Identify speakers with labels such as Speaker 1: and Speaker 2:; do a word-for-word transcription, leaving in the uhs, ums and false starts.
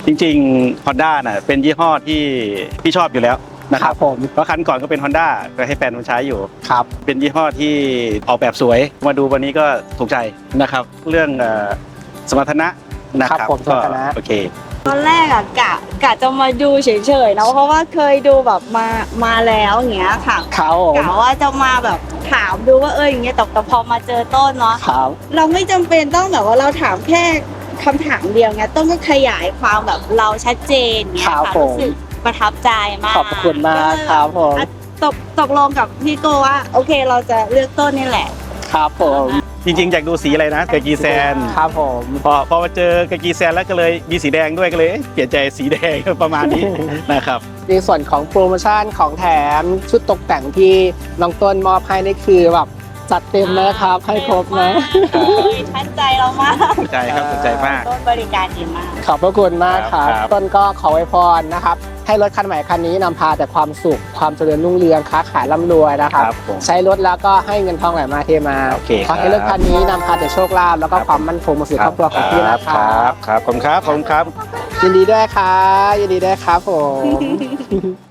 Speaker 1: จริงๆ Honda น่ะเป็นยี่ห้อที่พี่ชอบอยู่แล้วนะครับผมเพราะคันก่อนก็เป็น Honda ก็ให้แฟนมันใช้อยู่ครับเป็นยี่ห้อที่ออกแบบสวยมาดูวันนี้ก็ถูกใจนะครับเรื่องสมรรถนะนะครับก็โอเค
Speaker 2: ตอนแรกอะกะกะจะมาดูเฉยๆนะเพราะว่าเคยดูแบบมามาแล้วอย่างเงี้ยค่ะกะว่าจะมาแบบถามดูว่าเอออย่างเงี้ยแต่แต่พอมาเจอต้นเนาะเราไม่จำเป็นต้องแบบว่าเราถามแค่คำถามเดียวไงต้นก็ขยายความแบบเราชัดเจนเงี้ยค่ะรู้สึกประทับใจมาก
Speaker 3: ขอบคุณมากครับผม
Speaker 2: ตกตกลงกับพี่โกว่าโอเคเราจะเลือกต้นนี่แหละ
Speaker 3: ครับผม
Speaker 1: จริงๆอยากดูสีอะไรนะกากีแซน
Speaker 3: ครับผม
Speaker 1: พอพอมาเจอกากีแซนแล้วก็เลยมีสีแดงด้วยก็เลยเปลี่ยนใจสีแดงประมาณนี้ นะครับ
Speaker 3: ในส่วนของโปรโมชั่นของแถมชุดตกแต่งที่น้องต้นมอบให้นี่คือแบบจัดเต็มนะครับให้ครบนะ
Speaker 2: ทันใจเรามาก
Speaker 1: ทันใจครับทันใจมาก
Speaker 2: ต้นบริการดีมาก
Speaker 3: ขอบพระคุณมากครับต้นก็ขออวยพรนะครับให้รถคันใหม่คันนี้นำพาแต่ความสุขความเจริญรุ่งเรืองค้าขายร่ำรวยนะครับใช้รถแล้วก็ให้เงินทองไหลมาเทมาขอให้รถคันนี้นำพาแต่โชคลาภแล้วก็ความมั่นคงมาสู่ครอบครัวของพี่นะครับ
Speaker 1: ครับขอบคุณครับขอบคุณครับ
Speaker 3: ยินดีด้วยครับยินดีด้วยครับผม